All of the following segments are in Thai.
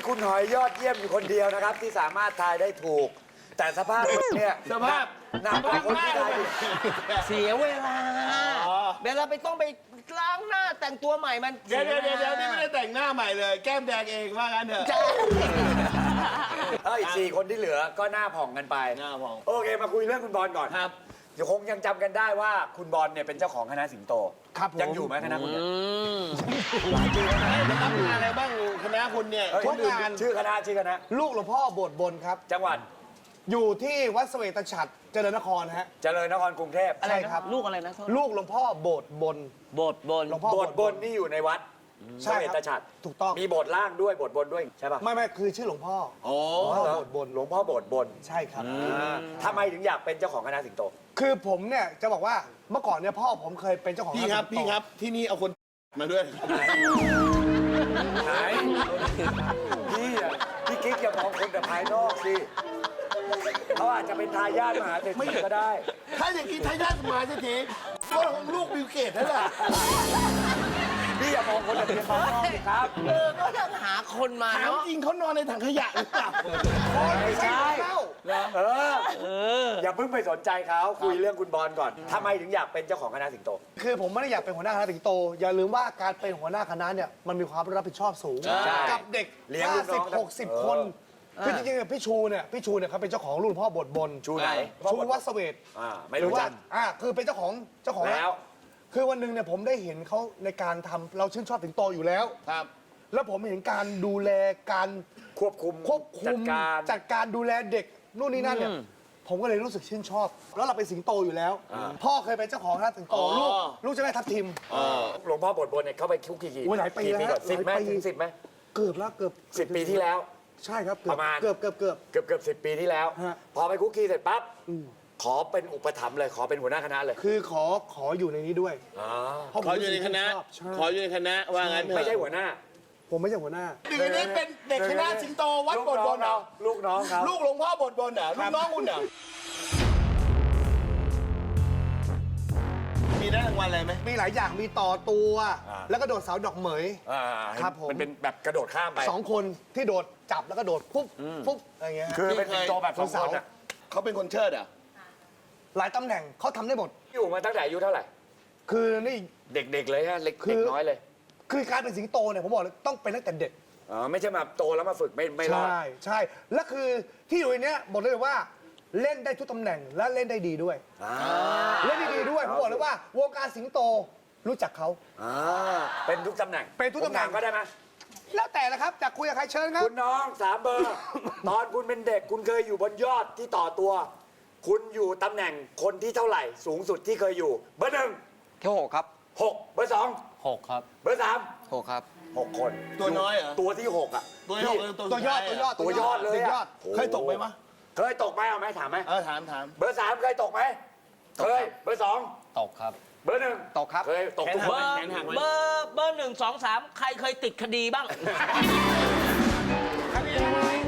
คุณหอยยอดเยี่ยมอยู่คนเดียวนะครับ ที่สามารถทายได้ถูก แต่สภาพเนี่ยสภาพหนักกว่าคนที่ทายผิดเสียเวลาเวลาไปต้องไปล้างหน้าแต่งตัวใหม่มันเดี๋ยวนี่ไม่ได้แต่งหน้าใหม่เลย แก้มแดงเองว่างั้นเถอะอีก4 คนที่เหลือก็หน้าผ่องกันไปหน้าผ่องโอเคมาคุยเรื่องคุณบอลก่อนครับเดี๋ยวคงยังจำกันได้ว่าคุณบอลเนี่ยเป็นเจ้าของคณะสิงโตครับผมยังอยู่ไหมคณะคุณเนี่ยแล้วรับงานอะไรบ้างคณะคุณเนี่ยทุกงานชื่อคณะลูกหลวงพ่อโบสถ์บนครับจังหวัดอยู่ที่วัดเสวตฉัตรเจริญนครฮะเจริญนครกรุงเทพใช่ครับลูกอะไรนะลูกหลวงพ่อโบสถ์บนโบสถ์บนหลวงพ่อโบสถ์บนนี่อยู่ในวัดใช่เวครับตฉัตรถูกต้องมีโบสถ์ล่างด้วยโบสถ์บนด้วยใช่ป่ะไม่คือชื่อหลวงพ่อโอ้หลวงพ่อโบสถ์บนหลวงพ่อโบสถ์บนใช่ครับทำไมถึงอยากเป็นเจ้าของคณะสิงโตคือผมเนี่ยจะบอกว่าเมื่อก่อนเนี่ยพ่อผมเคยเป็นเจ้าของพี่ครับานสิงโตพี่ครับที่นี่เอาคนมาด้วยไหนพี่กิ๊กอย่ามองคนแต่ภายนอกสิเขาอาจจะเป็นทายาทมหาเศรษฐีก็ได้ถ้าอย่างนี้ทายาทมาเศรษฐีก็ของลูกบิลเกตนั่นแหละพี่อย่ามองคนแต่เพียงภายนอกสิครับก็ต้องหาคนมาถามเนาะจริงเขานอนในถังขยะหรือเปล่าไม่ใช่อย่าเพิ่งไปสนใจเขาคุยเรื่องคุณบอลก่อนทำไมถึงอยากเป็นเจ้าของคณะสิงโตคือผมไม่ได้อยากเป็นหัวหน้าคณะสิงโต อย่าลืมว่าการเป็นหัวหน้าคณะเนี่ยมันมีความรับผิดชอบสูงใช่กับเด็กเลี้ยงลูกน้อง 50-60 คนคือจริงๆพี่ชูเนี่ยเขาเป็นเจ้าของรุ่นพ่อโบสถ์บนชูไหนชูวัดเสวตไม่หรืรู้อว่าจักคือเป็นเจ้าของแล้วคือวันหนึ่งเนี่ยผมได้เห็นเขาในการทำเราชื่นชอบสิงโตอยู่แล้วครับแล้วผมเห็นการดูแลการควบคุมจัดการดูแลเด็กนู่นนี่นั่นเนี่ยผมก็เลยรู้สึกชื่นชอบ แล้วเราเป็นสิงโตอยู่แล้ว พ่อเคยเป็นเจ้าของคณะสิงโตอ๋อลูกจะได้ทับทิมหลวงพ่อโบสถ์บนเนี่ยเขาไปคุกกี่โอ้ยหลายปีแล้วก่อน10ไหมหลายปีถึง10ไหมเกือบแล้วเกือบ 10 ปีที่แล้วใช่ครับประมาณเกือบเกือบ10 ปีที่แล้วฮะพอไปคุกกี้เสร็จปั๊บขอเป็นอุปถัมภ์เลยขอเป็นหัวหน้าคณะเลยคือขออยู่ในนี้ด้วยอ๋อเพราะผมขออยู่ในคณะชอบใช่ขออยู่ในคณะว่างั้นเถอะไม่ใช่หัวหน้าผมไม่ใช่หัวหน้าเดี๋ยวนี้เป็นเด็กคณะสิงโตวัดโบสถ์บนเหรอลูกน้องเขาลูกหลวงพ่อโบสถ์บนเหรอลูกน้องคุณเหรอมีได้รางวัลอะไรไหมมีหลายอย่างมีต่อตัว แล้วก็โดดเสาดอกเหมยอ่าครับผมมันเป็นแบบกระโดดข้ามไป 2 คนที่โดดจับแล้วก็โดดปุ๊บอะไรเงี้ยฮะคือเป็นสิงโตแบบสองคนอ่ะเขาเป็นคนเชิดเหรอ่ะหลายตำแหน่งเขาทำได้หมดอยู่มาตั้งแต่อายุเท่าไหร่คือนี่เด็กๆเลยฮะเล็กคือเด็กน้อยเลยคือการเป็นสิงโตเนี่ยผมบอกเลยต้องเป็นตั้งแต่เด็กอ๋อไม่ใช่มาโตแล้วมาฝึกไม่รอดใช่และคือที่อยู่ในเนี้ยบอกเลยว่าเล่นได้ทุกตำแหน่งและเล่นได้ดีด้วย เล่นได้ดีด้วยผมบอกเลยว่าวงการสิงโตรู้จักเขาเป็นทุกตำแหน่งเป็นทุกตำแหน่งผมถามก็ได้ไหมแล้วแต่ละครับจากคุยกับใครเชิญครับคุณน้อง3 เบอร์ ตอนคุณเป็นเด็กคุณเคยอยู่บนยอดที่ต่อตัว คุณอยู่ตำแหน่งคนที่เท่าไหร่ สูงสุดที่เคยอยู่ เบอร์ 1 แค่6ครับ 6 เบอร์ 6ครับ 2 เบอร์ 6ครับ 3 6 คนตัวน้อยเหรอตัวที่ 6 อ่ะตัวน้อยตัวยอดตัวยอดเลยตัวยออ่ะดเคยตกไหมวะเคยตกไหมเอาไหมถามไหมถามเบอร์ 3 เคยตกไหมเคย เบอร์ 2 ตกครับเบอร์ 1 ตกครับเคยตกทุกคเบอน ร์เบอร์1 2 3 ใครเคยติดคดีบ้างคดี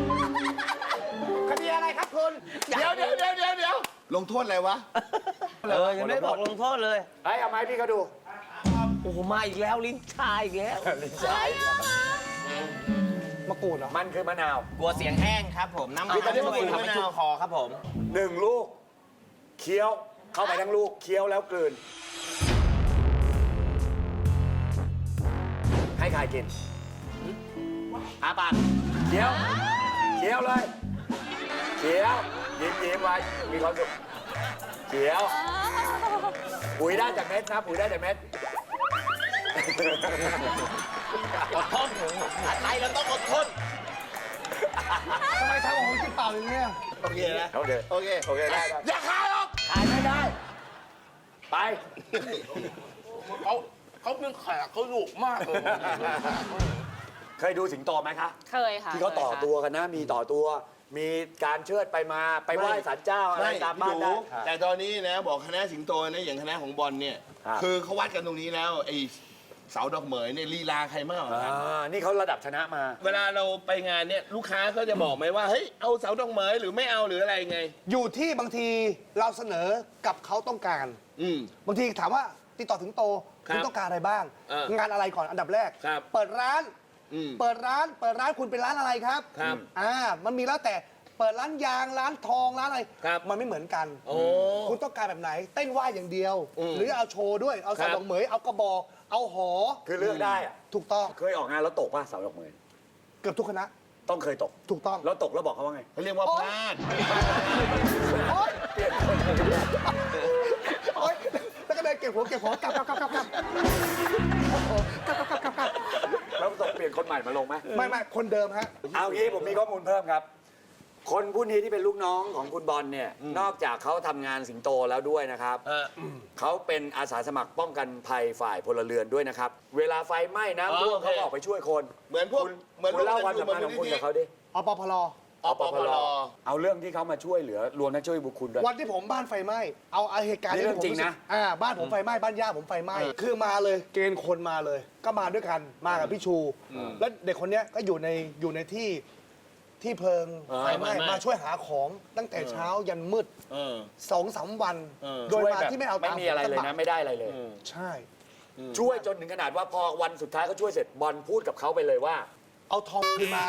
อะไรครับคุณเดี๋ยวลงโทษอะไรวะยังไม่บอกลงโทษเลยเฮ้ยเอาไหมพี่เขาดูโอ้โหมาอีกแล้วลิ้นชาอีกแล้วลิ้นสายมะกรูดเหรอมันคือมะนาวกลัวเสียงแห้งครับผม น้ำคือตอนนี้มันกินทำให้ชุ่มคอครับผม 1 ลูกเคี้ยวเข้าไปทั้งลูกเคี้ยวแล้วกลืน ให้ใครกินอาปากเคี้ยวเลยเคี้ยวยิ้มไว้มีความสุขเคี้ยวปุ๋ยได้จากเม็ดนะปุ๋ยได้จากเม็ดอดทนอะไรเราต้องอดทนทำไมทำของผมกินเปล่าอย่างเงี้ยโอเคนะโอเคโอเคโอเคได้อย่าคายหรอกถ่ายไม่ได้ ไปเขาเป็นแขกเขาดุมากเลยเคยดูสิงโตไหมคะเคยค่ะที่เขาต่อตัวกันนะ มีต่อตัว มีการเชิดไปมาไปไหว้ศาลเจ้าอะไรตามบ้านได้แต่ตอนนี้นะบอกคณะสิงโตนะอย่างคณะของบอลเนี่ยครับคือเขาวัดกันตรงนี้แล้วไอ้เสาดอกเหมยเนี่ยลีลาใครมากกว่ากันนี่เขาระดับชนะมาเวลาเราไปงานเนี่ยลูกค้าก็จะบอกไหมว่าเฮ้ยเอาเสาดอกเหมยหรือไม่เอาหรืออะไรไงอยู่ที่บางทีเราเสนอกับเขาต้องการอืมบางทีถามว่าติดต่อถึงโตครับคุณต้องการอะไรบ้างเอองานอะไรก่อนอันดับแรกครับเปิดร้านเปิดร้านคุณเป็นร้านอะไรครับครับมันมีแล้วแต่เปิดร้านยางร้านทองร้านอะไรครับมันไม่เหมือนกันโอ้คุณต้องการแบบไหน เต้นว่ายอย่างเดียว หรือเอาโชว์ด้วยเอาครัสาวบดอกเหมยเอากระบอกเอาหอคือเลือกได้อะถูกต้องเคยออกงานแล้วตกป่ะสาวดอกเหมยเกือบทุกคณะต้องเคยตกถูกต้องแล้วตกแล้วบอกเขาว่าไงเขาเรียกว่าพลาดโอ๊ยโอ๊ยแล้วก็เดินเก็บหัวกลับแล้วตกเปลี่ยนคนใหม่มาลงไหมไม่คนเดิมฮะเอางี้ผมมีข้อมูลเพิ่มครับ คนผู้นี้ที่เป็นลูกน้องของคุณบอลเนี่ย นอกจากเขาทำงานสิงโตแล้วด้วยนะครับ เขาเป็นอาสาสมัครป้องกันภัยฝ่ายพลเรือนด้วยนะครับ เวลาไฟไหม้น้ำท่วมโอเคเขาก็ออกไปช่วยคนเหมือนพวกคุณเล่าความสัมพันธ์ของคุณกับเขาดิอปพลอปพลเอาเรื่องที่เขามาช่วยเหลือรวมทั้งช่วยบุคคลด้วยวันที่ผมบ้านไฟไหม้เอาเหตุการณ์นี่ที่เรื่องผมจริงนะบ้านผมไฟไหม้บ้านย่าผมไฟไหม้คือมาเลยเกณฑ์คนมาเลย ก็มาด้วยกันมากับพี่ชู แล้วเด็กคนเนี้ยก็อยู่ในที่เพลิงไฟไหม้มาช่วยหาของตั้งแต่เช้ายันมืด 2-3 วัน โดยช่วยมาแบบที่ไม่เอาไม่ตังค์มีอะไรเลยสักบานะทไม่ได้อะไรเลยใช่ช่วยจนถึงขนาดว่าพอวันสุดท้ายเขาช่วยเสร็จบอลพูดกับเขาไปเลยว่าเอาทองคืนมา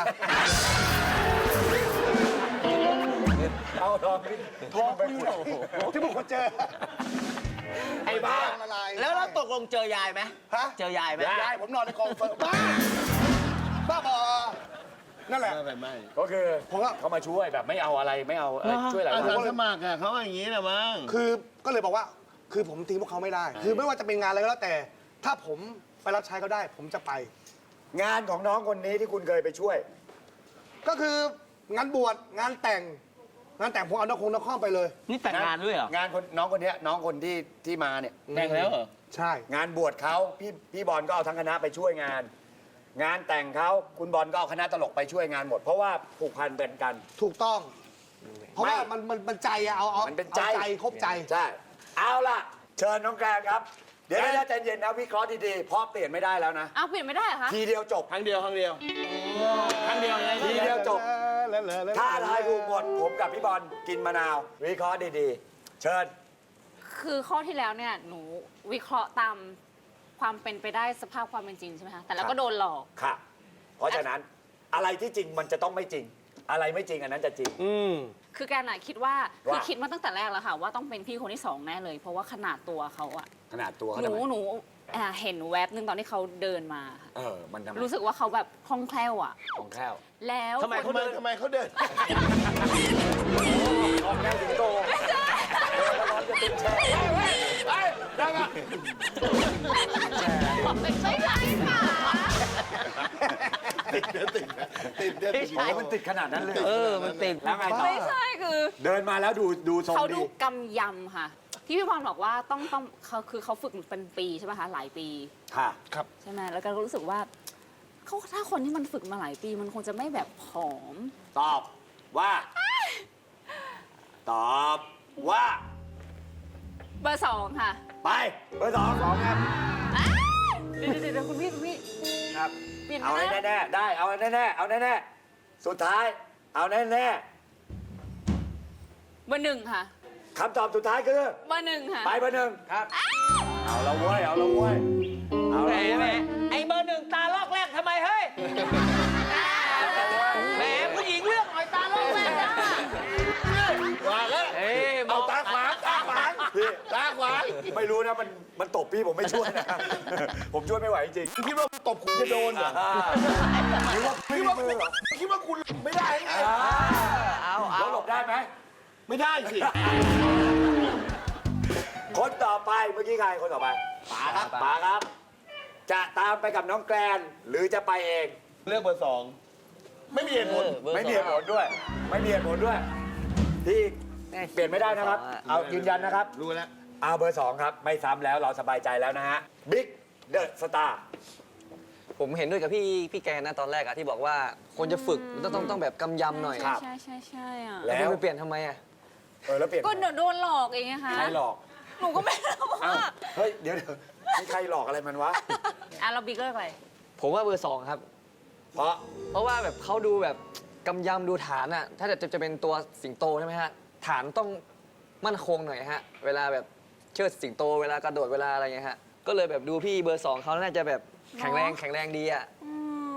เอาทองนี่ทองคืนที่บุคคลเจอไอ้บ้าละลายแล้วเราตกลงเจอยายไหมฮะเจอยายไหมยายผมนอนในกองเฟิร์มบ้าบอนั่นแหละไม่ก็คือผมก็เขามาช่วยแบบไม่เอาอะไรไม่เอาช่วยอะไรอาสาเลยสมัครอะเขาอย่างนี้นะมั้งคือก็เลยบอกว่าคือผมทิ้งพวกเขาไม่ได้ คือไม่ว่าจะเป็นงานอะไรก็แล้วแต่ ถ้าผมไปรับใช้เขาได้ ผมจะไปงานของน้องคนนี้ที่คุณเคยไปช่วยก็คืองานบวชงานแต่งผมเอานครไปเลยนี่แต่งงานด้วยเหรองานคนน้องคนเนี้ยน้องคนที่มาเนี่ยแต่งแล้วเหรอใช่งานบวชเขาพี่บอลก็เอาทั้งคณะไปช่วยงาน งานแต่งเขาคุณบอลก็เอาคณะตลกไปช่วยงานหมด เพราะว่าผูกพันเป็นกันถูกต้อง เพราะว่าไม่มันใจอะเอามันเป็นใจอาใจครบใจใช่เอาล่ะ เชิญน้องแกรนครับ เดี๋ยวใจเย็นนะวิเคราะห์ดีๆเพราะเปลี่ยนไม่ได้แล้วนะเอาเปลี่ยนไม่ได้เหรอคะทีเดียวจบครั้งเดียวครั้งเดียวไงทีเดียวจบ ถ้าทายถูกหมดผมกับพี่บอลกินมะนาว วิเคราะห์ดีๆ เชิญคือข้อที่แล้วเนี่ยหนูวิเคราะห์ตามความเป็นไปได้สภาพความเป็นจริงใช่ไหมคะแต่แล้วก็โดนหลอกค่ะ เพราะฉะนั้นอะไรที่จริงมันจะต้องไม่จริง อะไรไม่จริงอันนั้นจะจริงคือแกน่ะคิดว่าว่าคือคิดมาตั้งแต่แรกแล้วค่ะ ว่าต้องเป็นพี่คนที่สองแน่เลย เพราะว่าขนาดตัวเขาอะขนาดตัวเขาหนูทำไมหนูเห็นแวบหนึ่งตอนที่เขาเดินมาค่ะมันทำไมรู้สึกว่าเขาแบบคล่องแคล่วอะของแคล่วแล้วทำไมเขาเดินทำไมเขาเดินของแคล่วถึงโตแล้วร้อนจะติดแช่ได้ไหมไม่ใช่ค่ะมันติดขนาดนั้นเลยมันติดแล้วไงต่อไม่ใช่คือเดินมาแล้วดูทรงเขาดีดูกำยำค่ะ ที่พี่บอลบอกว่าต้องเขาคือเขาฝึกเป็นปีใช่ไหมคะหลายปีค่ะใช่ไหมแล้วก็รู้สึกว่าเขาถ้าคนที่มันฝึกมาหลายปีมันคงจะไม่แบบผอมตอบว่า ตอบว่าเบอร์สองค่ะไปเบอร์สองครับเดี๋ยวคุณพี่ครับเปลี่ยนเอานะแน่ๆได้เอาแน่ๆเอาแน่ๆสุดท้าย เอาแน่เบอร์หนึ่งค่ะๆคำตอบสุดท้ายคือเบอร์หนึ่งค่ะไปเบอร์หนึ่งครับ เอาละเว้ยเอาละเว้ยเอาแหมละเว้ยไอ้เบอร์หนึ่งตาลอกแรกทำไมเฮ้ยแหมผู้หญิงเลือกหน่อยตาลอกแรกนะว่าแล้วเอ้ยเอาตาขวางพี่ตาขวางไม่รู้นะมันตบพี่ผมไม่ช่วยนะ ผมช่วยไม่ไหวจริงคิดว่าตบคุณจะโดนเหรอคิดว่ามือเหรอคิดว่าคุณไม่ได้ไงแล้วหลบได้ไหมไม่ได้สิคนต่อไปเมื่อกี้ใครคนต่อไปป๋าครับป๋าครับ จะตามไปกับน้องแกรนหรือจะไปเองเลือกเบอร์สองไม่มีเหตุผลไม่มีเหตุผลด้วย ไม่มีเหตุผลด้วย ที่เปลี่ยนไม่ได้นะครับ เอายืนยันนะครับรู้แล้วเอาเบอร์ 2 ครับ ไม่ซ้ำแล้วเราสบายใจแล้วนะฮะบิ๊กเดอะสตาร์ผมเห็นด้วยกับพี่แกนะตอนแรกอะที่บอกว่าคนจะฝึกมันต้องแบบกำยำหน่อยครับใช่อ่ะแล้วคุณไปเปลี่ยนทำไมอะแล้วเปลี่ยนก็โดนหลอกเองนะคะใครหลอกหนูก็ไม่รู้เอ้าว่าเฮ้ยเดี๋ยวมีใครหลอกอะไรมันวะเราบิ๊กเลิกอะไรผมว่าเบอร์ 2 ครับเพราะเพราะว่าแบบเขาดูแบบกำยำดูฐานอะถ้าจะเป็นตัวสิงโตใช่ไหมฮะฐานต้องมั่นคงหน่อยฮะเวลาแบบเชิดสิงโตเวลากระโดดเวลาอะไรเงี้ยฮะก็เลยแบบดูพี่เบอร์ 2เขาน่าจะแบบแข็งแรงดีอะอืม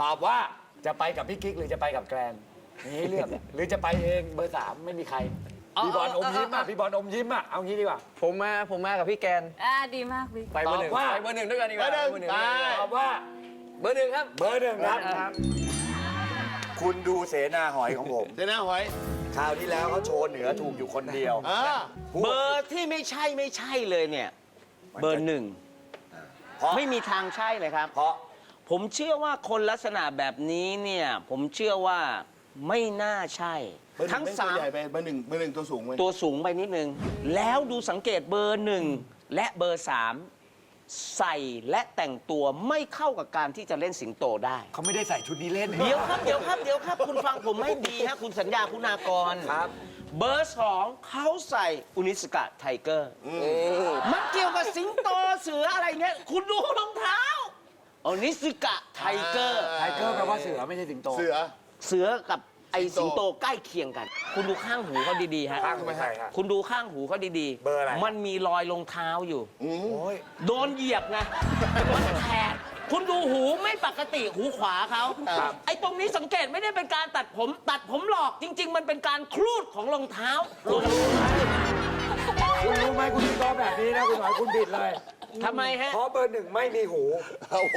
ตอบว่าจะไปกับพี่กิ๊กหรือจะไปกับแกรนมีให้เลือก หรือจะไปเองเบอร์ 3 ไม่มีใคร พี่บอลอมยิ้มอ่ะพี่บอลอมยิ้มอ่ะเอางี้ดีกว่าผมมากับพี่แกนดีมากบิ๊กไปเบอร์หนึ่งตอบว่าไปเบอร์หนึ่งด้วยกันดีกว่าเบอร์หนึ่งไปตอบว่าเบอร์หนึ่งครับเบอร์ 1ครับ คุณดูเสนาหอยของผมเดี๋ยวนะหอยคราวที่แล้วเขาโชว์เหนือถูกอยู่คนเดียวเบอร์ที่ไม่ใช่เลยเนี่ย เบอร์ 1 เพราะไม่มีทางใช่เลยครับเพราะผมเชื่อว่าคนลักษณะแบบนี้เนี่ย ผมเชื่อว่าไม่น่าใช่ ทั้งตัวใหญ่ไปเบอร์หนึ่งตัวสูงไปตัวสูงไปนิดนึง แล้วดูสังเกตเบอร์ 1 และเบอร์ 3 ใส่และแต่งตัวไม่เข้ากับการที่จะเล่นสิงโตได้เขาไม่ได้ใส่ชุดนี้เล่นเดี๋ยวครับ คุณฟังผมไม่ดีฮะ คุณสัญญาคุณากรครับเบอร์ 2เขาใส่อุนิสกะไทเกอร์ มันเกี่ยวกับสิงโตเสืออะไรเนี่ย คุณดูรองเท้าอุนิสกะไทเกอร์ไทเกอร์แปลว่าเสือไม่ใช่สิงโตเสือเสือกับไอสิงโตใกล้เคียงกัน คุณดูข้างหูเขาดีๆฮะข้างไม่ใช่ครับคุณดูข้างหูเขาดีๆเบอร์อะไรมันมีรอยรองเท้าอยู่โอ้ยโดนเหยียบไง มันแทกคุณดูหูไม่ปกติหูขวาเขาไอ้ตรงนี้สังเกตไม่ได้เป็นการตัดผมหลอกจริง ๆ มันเป็นการคลูดของรองเท้าลงคุณรู้ไหมคุณวิเคราะห์แบบนี้นะคุณหมายคุณผิดเลยทำไมฮะเพราะเบอร์ 1ไม่มีหูโอ้โห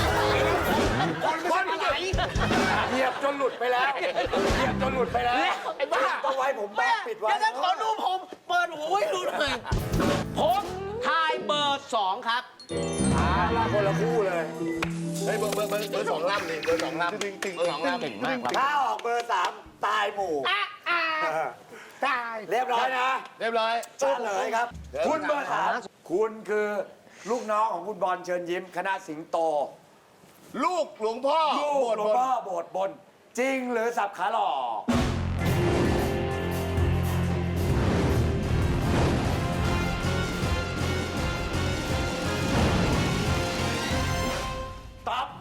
คนไหนเหยียบจนหลุดไปแล้วเหยียบจนหลุดไปแล้วไอ้บ้าต้องไว้ผมแบกปิดไว้เดี๋ยวจะขอดูผมเปิดหูให้ดูหน่อยผมทายเบอร์ 2 ครับละคนละคู่เลยเฮ้ยเบอร์สองลำนี่เบอร์สองลำเบอร์สองลำเก่งมากครับถ้าออกเบอร์ 3 ตายหมู่ตายเรียบร้อยนะเรียบร้อยเฉลยครับ คุณเบอร์ 3 คุณคือลูกน้องของคุณบอลเชิญยิ้ม คณะสิงโตลูกหลวงพ่อลูกหลวงพ่อโบสถ์บน จริงหรือสับขาหลอกตอบ